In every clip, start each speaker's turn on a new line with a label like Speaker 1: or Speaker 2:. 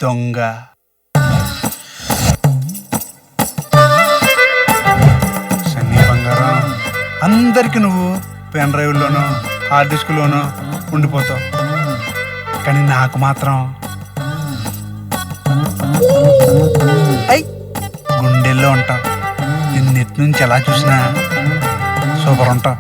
Speaker 1: దొంగ. సన్నీ బంగారం, అందరికి నువ్వు పెన్ డ్రైవ్లోనూ హార్డ్ డిస్క్లోనూ ఉండిపోతావు, కానీ నాకు మాత్రం గుండెల్లో ఉంటావు. నిన్నెట్ నుంచి ఎలా చూసినా సూపర్ ఉంటావు.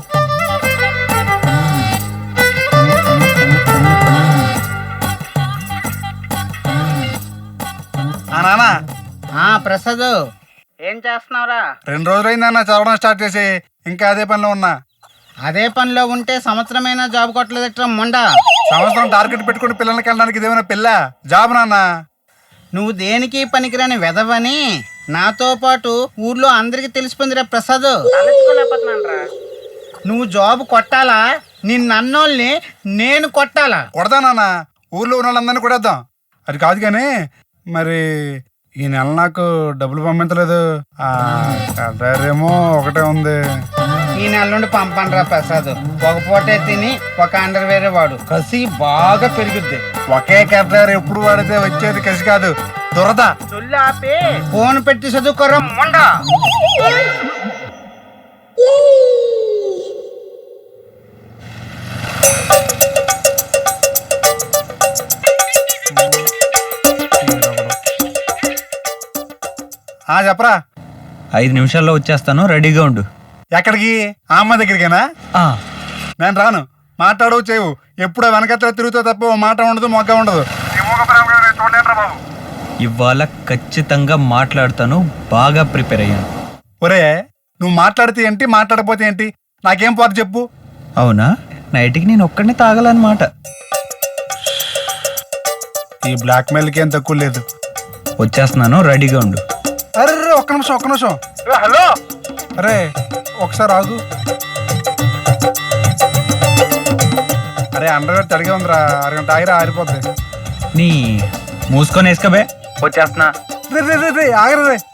Speaker 1: నానా
Speaker 2: ప్రసాద్, ఏం చేస్తున్నావురా?
Speaker 1: 2 రోజులైందన్న చదవడం స్టార్ట్ చేసి, ఇంకా అదే పనిలో ఉన్నా.
Speaker 2: అదే పనిలో ఉంటే సంవత్సరమైనా జాబ్ కొట్టలేదట్రా మొండా.
Speaker 1: సంవత్సరం టార్గెట్ పెట్టుకుని పిల్లలకి వెళ్ళడానికి ఇదేమైనా పిల్ల జాబ్ నాన్న?
Speaker 2: నువ్వు దేనికి పనికిరాని వెదవని నాతో పాటు ఊర్లో అందరికి తెలిసిపోయిందిరా ప్రసాద్. నువ్వు జాబ్ కొట్టాలా, నిన్నన్నోళ్ళని నేను కొట్టాలా?
Speaker 1: కొడతా నాన్న, ఊర్లో ఉన్న వాళ్ళందరినీ కొడేద్దాం. అది కాదు కానీ మరి ఈ నెల నాకు డబ్బులు పంపించలేదు. ఏమో ఒకటే ఉంది.
Speaker 2: ఈ నెల నుండి పంపండిరా ప్రసాద్. ఒక పూటే తిని ఒక అండర్ వేరే వాడు, కసి బాగా పెరుగుద్ది.
Speaker 1: ఒకే కట్టారు ఎప్పుడు వాడితే వచ్చేది కసి కాదు, దురద.
Speaker 2: ఫోన్ పెట్టి చదువుకోరా మొండా.
Speaker 1: చెప్పరా.
Speaker 3: 5 నిమిషాల్లో వచ్చేస్తాను, రెడీగా ఉండు.
Speaker 1: ఎక్కడికి? ఆ అమ్మ దగ్గరికేనా? నేను రాను. మాట్లాడవు చేయవు, ఎప్పుడో వెనకత్త తిరుగుతా తప్ప ఓ మాట ఉండదు, మొగ్గ ఉండదు.
Speaker 3: ఇవాళ ఖచ్చితంగా మాట్లాడతాను, బాగా ప్రిపేర్ అయ్యాను.
Speaker 1: ఒరే, నువ్వు మాట్లాడితే ఏంటి, మాట్లాడకపోతే ఏంటి, నాకేం పోతే చెప్పు.
Speaker 3: అవునా? నైట్కి నేను ఒక్కడిని తాగాలన్నమాట.
Speaker 1: ఈ బ్లాక్ మెయిల్కి ఏం తక్కువ లేదు.
Speaker 3: వచ్చేస్తున్నాను, రెడీగా ఉండు.
Speaker 1: అరే ఒక్క నిమిషం. హలో, అరే ఒకసారి ఆగు. అరే అండర్వేర్ తడిగా ఉందిరా, అరగంట ఆగిరా ఆరిపోద్ది.
Speaker 3: నీ మూసుకొని వేసుకోబే, వచ్చేస్తున్నా.
Speaker 1: రే ఆగరా రే.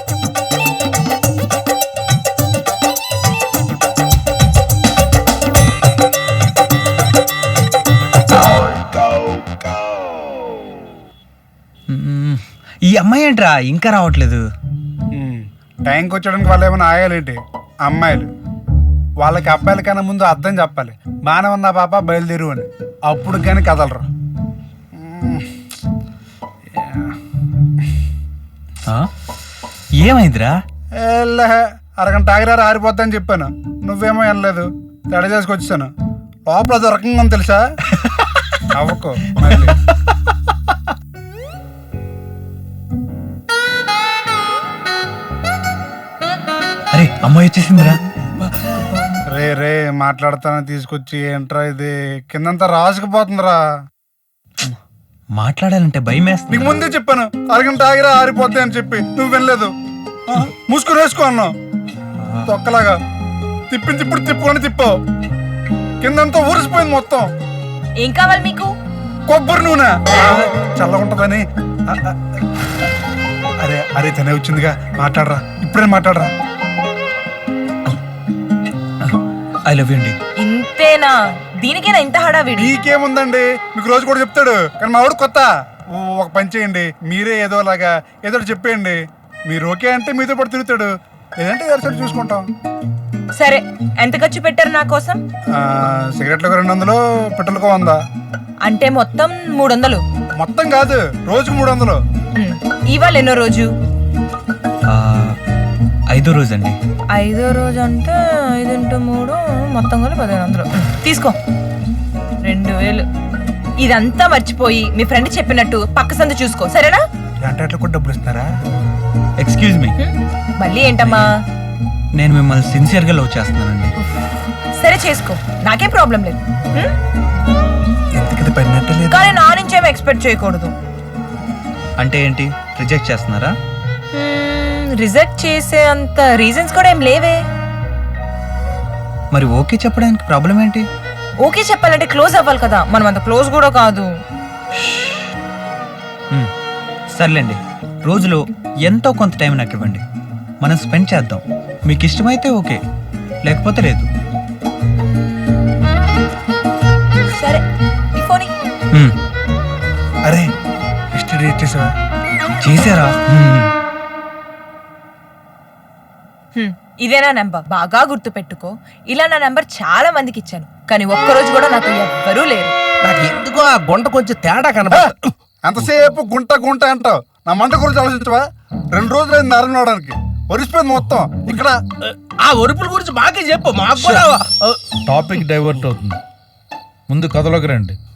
Speaker 3: ఈ అమ్మాయి ఏంట్రా ఇంకా రావట్లేదు?
Speaker 1: టైంకి వచ్చడానికి వాళ్ళు ఏమైనా ఆయాలేంటి? అమ్మాయిలు వాళ్ళకి అబ్బాయిల కన్నా ముందు అర్థం చెప్పాలి. బాగానే ఉన్నా పాప బయలుదేరు అని, అప్పుడు కానీ కదలరు.
Speaker 3: ఏమైందిరా?
Speaker 1: అరగంట ఆగిరారు ఆరిపోద్దని చెప్పాను, నువ్వేమో వినలేదు. తడ చేసుకొచ్చాను. లోపల అది రకంగా ఉంది తెలుసా? అవ్వకు మళ్ళీ.
Speaker 3: అరే అమ్మాయి వచ్చేసిందిరా.
Speaker 1: రే మాట్లాడతానని తీసుకొచ్చి ఏంట్రా ఇది, కిందంతా రాసుకుపోతుందిరా.
Speaker 3: మాట్లాడాలంటే భయం వేస్తుంది.
Speaker 1: నీకు ముందే చెప్పాను అరగంట ఆగిరా ఆరిపోద్ది అని చెప్పి, నువ్వు వినలేదు. మూసుకుని వేసుకో అన్నావు తొక్కలాగా. ఇప్పుడు తిప్పుకొని తిప్పావు, కిందంతా ఊరిసిపోయింది మొత్తం.
Speaker 4: ఏం కావాలి మీకు?
Speaker 1: కొబ్బరి నూనె చల్లగుంటదని. అరే తనే వచ్చిందిగా, మాట్లాడరా, ఇప్పుడే మాట్లాడరా.
Speaker 3: ఐ లవ్ యూ అండి.
Speaker 4: ఇంతేనా? దీనికేనా ఇంత హడావిడి?
Speaker 1: నీకేముందండి, మీకు రోజు కూడా చెప్తాడు, కానీ మా వాడు కొత్త. ఒక పని చేయండి, మీరే ఏదోలాగా ఏదో చెప్పేయండి. మీరు ఓకే అంటే మీతో పాటు తిరుగుతాడు, లేదంటే ఎవరిసరి చూసుకుంటాం.
Speaker 4: సరే, ఎంత ఖర్చు పెట్టారు నా కోసం?
Speaker 1: సిగరెట్లకు 200, పెట్రోల్కు 100.
Speaker 4: అంటే మొత్తం 300.
Speaker 1: మొత్తం కాదు, రోజుకు 300.
Speaker 4: ఇవాళ ఎన్నో రోజు?
Speaker 3: 5వ రోజు అండి.
Speaker 4: 5వ రోజు అంటే 5 × 3 మొత్తం కూడా 1500. తీసుకో 2000. ఇదంతా మర్చిపోయి మీ ఫ్రెండ్ చెప్పినట్టు పక్క సందు చూసుకో, సరేనా?
Speaker 1: అంటే అట్లా కూడా డబ్బులు ఇస్తారా?
Speaker 3: Excuse me.
Speaker 4: మళ్ళీ ఏంటమ్మా?
Speaker 3: నేను మిమ్మల్ని సిన్సియర్గా లవ్ చేస్తున్నానండి.
Speaker 4: సరే చేసుకో, నాకేం ప్రాబ్లం లేదు. కానీ నా నుంచేమో ఎక్స్పెక్ట్ చేయకూడదు.
Speaker 3: అంటే ఏంటి, రిజెక్ట్ చేస్తున్నారా?
Speaker 4: రిజెక్ట్ చేసే అంత రీజన్స్ కూడా ఏం లేవే.
Speaker 3: మరి ఓకే చెప్పడానికి ప్రాబ్లం ఏంటి?
Speaker 4: ఓకే చెప్పాలంటే క్లోజ్ అవ్వాలి కదా, మనం అంత క్లోజ్ కూడా కాదు.
Speaker 3: సర్లేండి, రోజులో ఎంతో కొంత టైం నాకు ఇవ్వండి, మనం స్పెండ్ చేద్దాం. మీకు ఇష్టమైతే ఓకే, లేకపోతే లేదు.
Speaker 4: సరే, ఈ ఫోన్
Speaker 1: అరే హిస్టరీ డిలీట్ చేసావా?
Speaker 3: చేశారా?
Speaker 4: ఇదేనా నెంబర్? బాగా గుర్తు పెట్టుకో. ఇలా నా నెంబర్ చాలా మందికి ఇచ్చాను, కానీ ఒక్కరోజు కూడా నాతో ఎవ్వరూ లేరు.
Speaker 5: నాకు ఎందుకో ఆ గుంట కొంచెం తేడా కనబడుతుంది.
Speaker 1: ఎంతసేపు గుంట గుంట అంటావు? నా మంట గురించి ఆలోచించవా? 2 రోజులైంది నరనవడానికి. ఒరిసిపోయింది మొత్తం. ఇక్కడ
Speaker 5: ఆ ఒరుపుల గురించి మాకే చెప్పు, మాకు కూడా
Speaker 6: టాపిక్ డైవర్ట్ అవుతుంది. ముందు కథలోకి రండి.